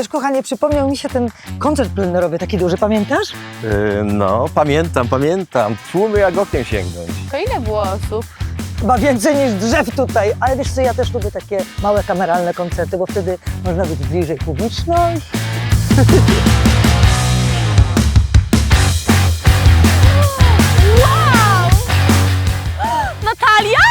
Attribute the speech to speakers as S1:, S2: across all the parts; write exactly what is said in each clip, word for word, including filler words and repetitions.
S1: Wiesz, kochanie, przypomniał mi się ten koncert plenerowy, taki duży, pamiętasz?
S2: Yy, no, pamiętam, pamiętam. Tłumy jak okiem sięgnąć.
S3: To ile było osób?
S1: Chyba więcej niż drzew tutaj, ale wiesz co, ja też lubię takie małe kameralne koncerty, bo wtedy można być bliżej publiczności.
S3: Wow! Natalia?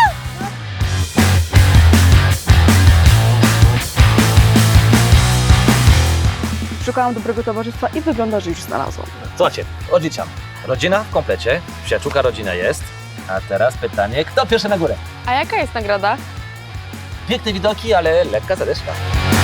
S4: Szukałam dobrego towarzystwa i wygląda, że już znalazłam.
S5: Słuchajcie, odliczam. Rodzina w komplecie, przyjaciółka rodzina jest. A teraz pytanie, kto pierwszy na górę?
S3: A jaka jest nagroda?
S5: Piękne widoki, ale lekka zadeszka.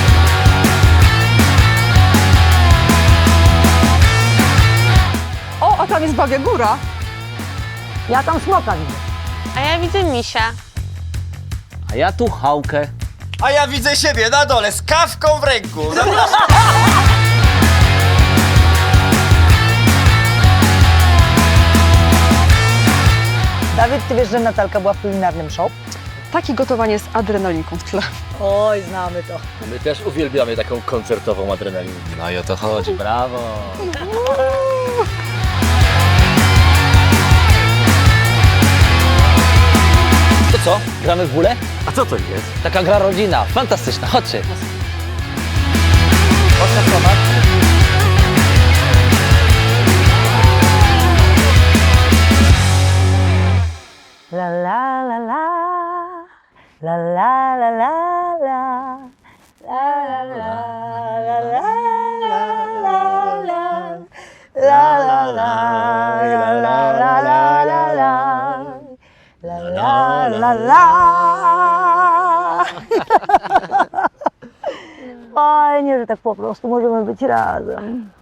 S4: O, a tam jest Babia Góra.
S1: Ja tam smoka widzę.
S3: A ja widzę misia.
S5: A ja tu chałkę.
S6: A ja widzę siebie na dole z kawką w ręku.
S1: Dawid, ty wiesz, że Natalka była w kulinarnym show?
S4: Takie gotowanie z adrenalinką w tle.
S1: Oj, znamy to.
S5: My też uwielbiamy taką koncertową adrenalinę. No i o to chodzi, brawo. To co, gramy w bóle?
S2: A co to jest?
S5: Taka gra rodzina, fantastyczna, chodźcie.
S1: La la la la, la la la la la, la la la la la la la, la la la la la la la la, la la la. Fajnie, że tak po prostu możemy być razem.